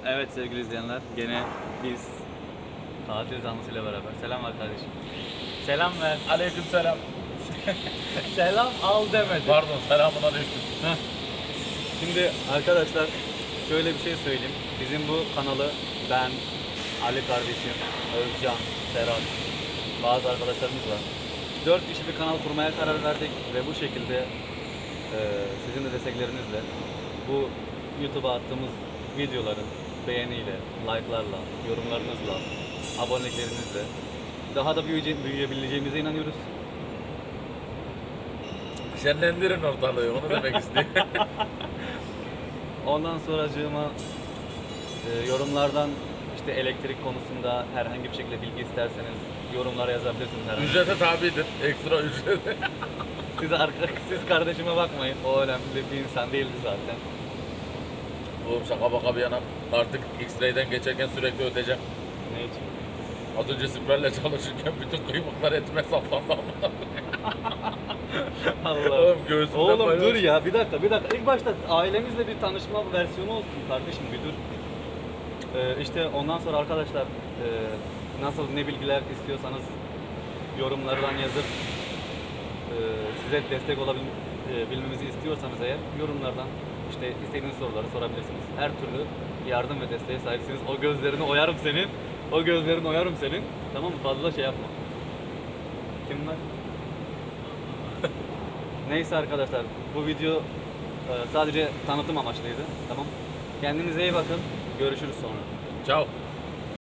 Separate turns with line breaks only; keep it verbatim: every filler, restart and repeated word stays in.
Evet sevgili izleyenler, gene biz tatil zanlısıyla beraber. Selam ver kardeşim. Selam ver.
Aleyküm selam.
Selam al demedi.
Pardon, selamun aleyküm.
Heh. Şimdi arkadaşlar şöyle bir şey söyleyeyim. Bizim bu kanalı ben, Ali kardeşim, Özcan, Serhat, bazı arkadaşlarımız var. Dört kişi bir kanal kurmaya karar verdik ve bu şekilde e, sizin de desteklerinizle bu YouTube'a attığımız videoların beğeniyle, like'larla, yorumlarınızla, aboneliklerinizle daha da büyüyece- büyüyebileceğimize inanıyoruz.
Şenlendirin ortalığı, onu demek istiyorum.
Ondan sonracığıma e, yorumlardan işte elektrik konusunda herhangi bir şekilde bilgi isterseniz yorumlara yazabilirsiniz. Herhangi.
Ücrete tabidir, ekstra ücret.
Siz, arka, siz kardeşime bakmayın. O önemli bir insan değildi zaten.
Oğlum şaka baka bir yana, artık X-Ray'den geçerken sürekli ödeyeceğim.
Ne için?
Az önce Spray'le çalışırken bütün kıymıklar etme sallandı ama.
Allah.
Oğlum göğsümden
Oğlum
böyle-
dur ya bir dakika bir dakika. İlk başta ailemizle bir tanışma versiyonu olsun kardeşim bir dur. Ee, işte ondan sonra arkadaşlar e, nasıl ne bilgiler istiyorsanız yorumlardan yazıp e, size destek olabilmemizi istiyorsanız eğer yorumlardan işte istediğiniz soruları sorabilirsiniz. Her türlü yardım ve desteğe sahipsiniz. O gözlerini oyarım senin. O gözlerini oyarım senin. Tamam mı? Fazla şey yapma. Kim var? Neyse arkadaşlar bu video e, sadece tanıtım amaçlıydı. Tamam. Kendinize iyi bakın. Görüşürüz sonra.
Ciao.